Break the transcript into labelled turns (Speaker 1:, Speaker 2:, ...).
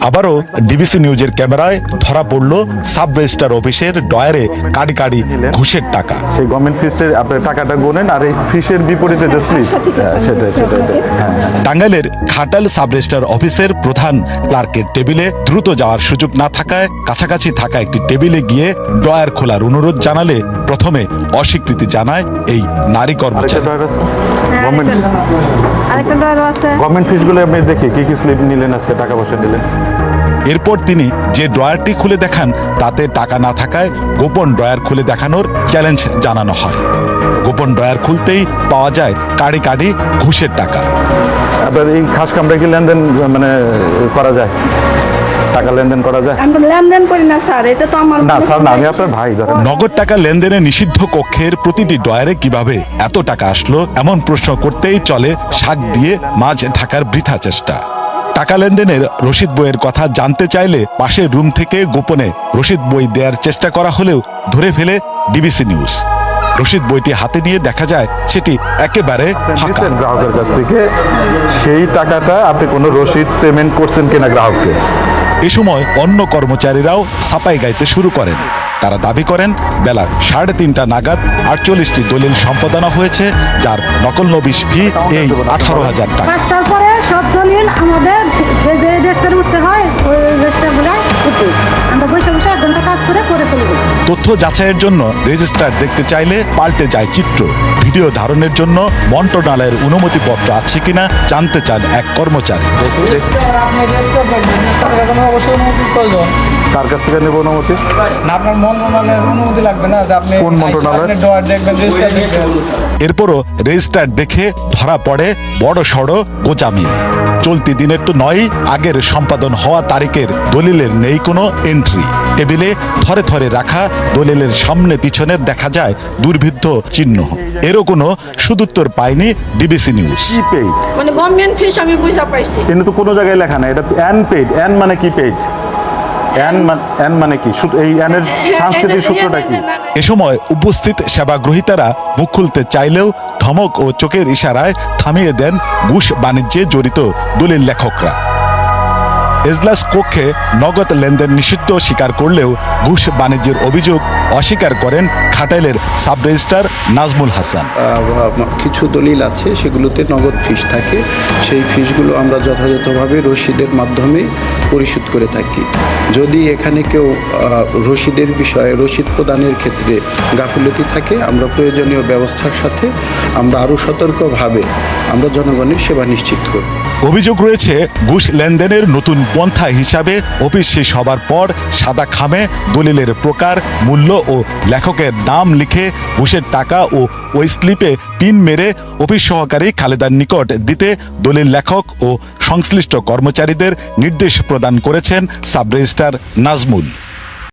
Speaker 1: আবারও ডিবিসি নিউজের ক্যামেরায় ধরা পড়ল সাব রেজিস্ট্রার অফিসের ডয়ারে কাড়ি কাড়ি ঘুষের টাকা।
Speaker 2: সেই গভর্নমেন্ট ফিসের আপনি টাকাটা গোনেন আর এই ফিসের বিপরীতে যে স্লিপ সেটাই।
Speaker 1: টাঙ্গাইলের ঘাটাল সাব রেজিস্ট্রার অফিসের প্রধান ক্লার্কের টেবিলে দ্রুত যাওয়ার সুযোগ না থাকায় কাছাকাছি থাকা একটি টেবিলে গিয়ে ড্রয়ার খোলার অনুরোধ জানালে প্রথমে অস্বীকৃতি জানায় এই নারী কর্মচারী।
Speaker 2: গভর্নমেন্ট ফিসগুলো আপনি দেখি কি স্লিপ নিলেন আজকে, টাকা পয়সা নিলেন।
Speaker 1: এরপর তিনি যে ড্রয়ারটি খুলে দেখান তাতে টাকা না থাকায় গোপন ড্রয়ার খুলে দেখানোর চ্যালেঞ্জ জানানো হয়। গোপন ড্রয়ার খুলতেই পাওয়া যায় কাড়ি কাড়ি ঘুষের টাকা।
Speaker 2: আপনার এই খাস কামরা কি লেনদেন মানে করা যায়? টাকা লেনদেন করা যায়?
Speaker 3: আমরা লেনদেন করি না স্যার, এটা তো আমার
Speaker 2: না স্যার, না, আমি আপনার ভাই। ধরেন
Speaker 1: নগদ টাকা লেনদেনে নিষিদ্ধ কক্ষের প্রতিটি ড্রয়ারে কিভাবে এত টাকা আসলো এমন প্রশ্ন করতেই চলে শাক দিয়ে মাছ ঢাকার বৃথা চেষ্টা। টাকা লেনদেনের রসিদ বইয়ের কথা জানতে চাইলে পাশের রুম থেকে গোপনে রসিদ বই দেওয়ার চেষ্টা করা হলেও ধরে ফেলে ডিবিসি নিউজ। রসিদ বইটি হাতে নিয়ে দেখা যায় সেটি একেবারে ফাঁকা।
Speaker 2: গ্রাহকের কাছ থেকে সেই টাকাটা আপনি কোনো রসিদ পেমেন্ট করছেন কিনা গ্রাহককে।
Speaker 1: এ সময় অন্য কর্মচারীরাও ছাপাই গাইতে শুরু করেন। তারা দাবি করেন বেলা 3:30 নাগাদ 48টি দলিল সম্পাদনা হয়েছে, যার নকল নবিশ ফি এই 18,000 টাকা।
Speaker 3: 5টার পরে সব দলিল আমাদের যে রেজিস্টারে উঠতে হয় ওই রেজিস্টারগুলো উঠে আমরা বসে 1 ঘন্টা কাজ করে পরে চলে যাই।
Speaker 1: তথ্য যাচাইয়ের জন্য রেজিস্ট্রার দেখতে চাইলে পাল্টে যায় চিত্র। ভিডিও ধারণের জন্য মন্ত্রণালয়ের অনুমতিপত্র আছে কিনা জানতে চান এক কর্মচারী।
Speaker 2: তার কাছ থেকে নেব অনুমতি?
Speaker 4: না, আপনার মন্ত্রণালয়ের অনুমতি লাগবে না যে আপনি
Speaker 2: কোন মন্ত্রণালয়?
Speaker 4: আপনি ড্রয়ার দেখবেন, রেজিস্টার দেখবেন।
Speaker 1: এরপরও রেজিস্ট্রার দেখে ধরা পড়ে বড় সড় গোজামি। চলতি দিনের তো নয়, আগের সম্পাদন হওয়া তারিখের দলিলের নেই কোনো এন্ট্রি। টেবিলে থরে থরে রাখা দলিলের সামনে পিছনের দেখা যায় দুর্ভিদ্ধ চিহ্ন। এরও কোনো সুদুত্তর পায়নি ডিবিসি নিউজ।
Speaker 2: কি পেইড?
Speaker 3: মানে গভর্নমেন্ট ফিস আমি বুঝা পাইছি,
Speaker 2: কিন্তু তো কোনো জায়গায় লেখা না এটা এন পেইড। এন মানে কি পেইড? এন মানে কি? এই এনের সাংস্কৃতিক সূত্রটা কি?
Speaker 1: এ সময় উপস্থিত সেবাগ্রহীতারা মুখ খুলতে চাইলেও ধমক ও চোখের ইশারায় থামিয়ে দেন ঘুষ বাণিজ্যে জড়িত দলিল লেখকরা। এজলাস কক্ষে নগদ লেনদেন নিষিদ্ধ স্বীকার করলেও ঘুষ বাণিজ্যের অভিযোগ অস্বীকার করেন ঘাটাইলের সাব রেজিস্ট্রার নাজমুল হাসান।
Speaker 5: কিছু দলিল আছে সেগুলোতে নগদ ফিস থাকে, সেই ফিসগুলো আমরা যথাযথভাবে রসিদের মাধ্যমে পরিশোধ করে থাকি। যদি এখানে কেউ রসিদের বিষয়ে রসিদ প্রদানের ক্ষেত্রে গাফিলতি থাকে, আমরা প্রয়োজনীয় ব্যবস্থার সাথে আমরা আরও সতর্কভাবে আমরা জনগণের সেবা নিশ্চিত করি।
Speaker 1: অভিযোগ রয়েছে ঘুষ লেনদেনের নতুন পন্থা হিসাবে অফিস শেষ হবার পর সাদা খামে দলিলের প্রকার, মূল্য ও লেখকের নাম লিখে ঘুষের টাকা ও ওই স্লিপে পিন মেরে অফিস সহকারী খালেদার নিকট দিতে দলিল লেখক ও সংশ্লিষ্ট কর্মচারীদের নির্দেশ প্রদান করেছেন সাব রেজিস্ট্রার নাজমুল।